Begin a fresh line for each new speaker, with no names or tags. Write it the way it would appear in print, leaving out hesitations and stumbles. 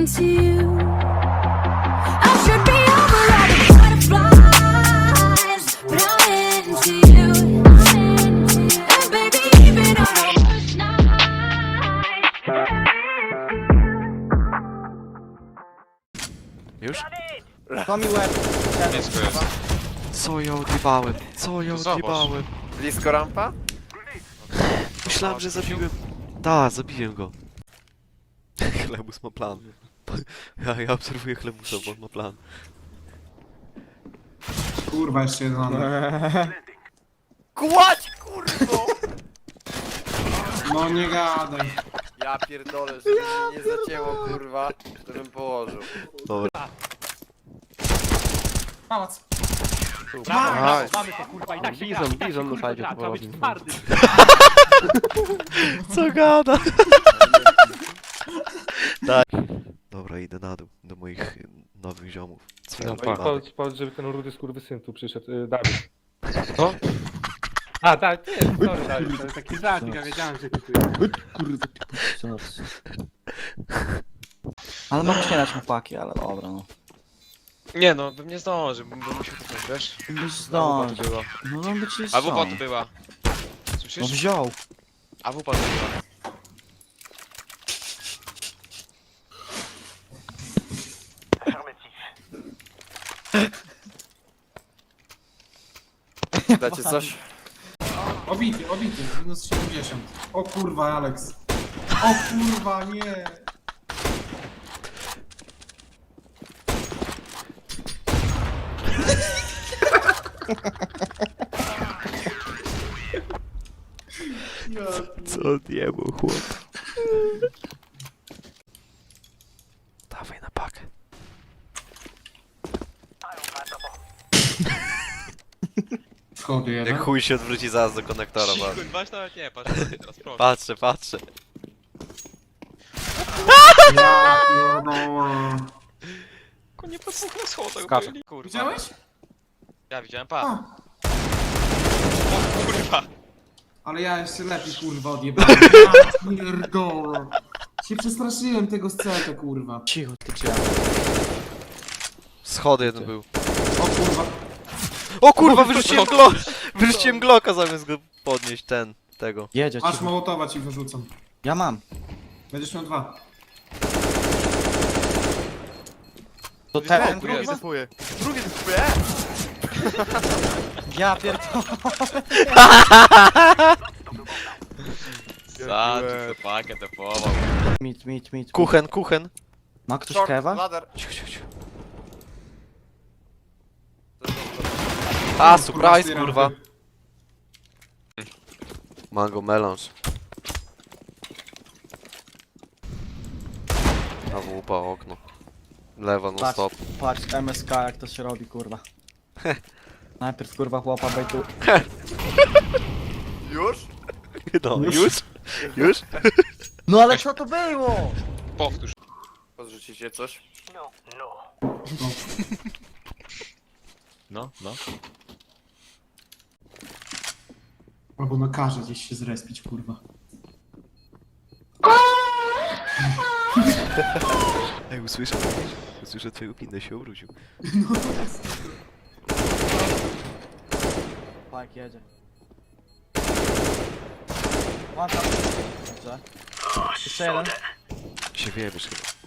into you. I should be over all the butterflies, but I'm into you. And baby, even on the worst night.
Już?
To mi łeb.
Jest chyba.
Co ja odjebałem? Co ja
Zobacz.
odjebałem?
Blisko rampa?
Myślałem, że zabiłem... Da, zabiłem go. Chlebus ma plan. Ja obserwuję Chlebusa, bo on ma plan.
Kurwa, jeszcze jeden mamy.
Kładź, kurwo!
No nie gadaj.
Ja pierdolę, żeby mnie nie zacięło, kurwa, to bym położył.
Dobra.
Pałac.
Mamy to kurwa i tak się gra.
Bizon na sajdzie
Trzeba być
poprowadził.
twardy.
Co gada? Tak. Dobra, idę na dół, do moich nowych ziomów.
No,
Powiedz, żeby ten rudy skurwysyn tu przyszedł, Dawid. Co? A, tak, ty jest, sorry, Dawid, to jest taki żart, ja wiedziałem, że ty tu jest.
Kurde, ty Ale mogę nie dać mu paki, ale dobra, no.
Nie no, bym nie zdążył, bym musiał kupić, wiesz?
Byś
AWP tu
zdążył.
była.
No on by ci
AWP tu była.
No
Słyszysz?
wziął.
AWP tu była.
Dacie coś?
Obity, minus 70. O kurwa, Alex. O kurwa, nie.
Co odjebał, chłop? Dawaj na pakę.
Schody jeden.
Jak chuj się odwróci zaraz do konektora,
Cicho,
bardzo.
weź nawet nie, patrz teraz, proszę.
Patrzę.
Ja pierdolę.
Nie po dwóch na schodach
Skacze.
byli, kurwa.
Widziałeś?
Ja widziałem, pa.
A,
O kurwa.
ale ja jeszcze lepiej kurwa odjebałem. Ja pierdolę. Się przestraszyłem tego scenę, kurwa.
Cicho, ty cię.
Schody jeden był.
O kurwa.
O kurwa, wyrzuciłem Glocka zamiast go podnieść, tego.
Jedzie,
Aż
cicho.
mołotowa ci wyrzucam.
Ja mam.
Będziesz miał 2.
To ten,
Drugi jest.
Drugi typuje!
ja pierdolę.
Zaczął tę pakę, tę połował.
Mit.
Kuchen.
Ma ktoś
Short,
kewa?
ladder.
Cicho. A, surprise, kurwa. Mango melanż. AWP okno. Lewa no
Patrz,
stop.
patrz, MSK jak to się robi, kurwa. Najpierw kurwa chłopa bejtu.
Już?
No, już?
No ale co to było?
Powtórz.
Podrzucicie coś?
No.
Albo nakaże gdzieś się zrespić, kurwa.
Ej, usłyszę twojego pinę się obrócił.
Tak, jedzie. One tap. Dobrze. Jeszcze jeden.
Się wyjebiesz chyba.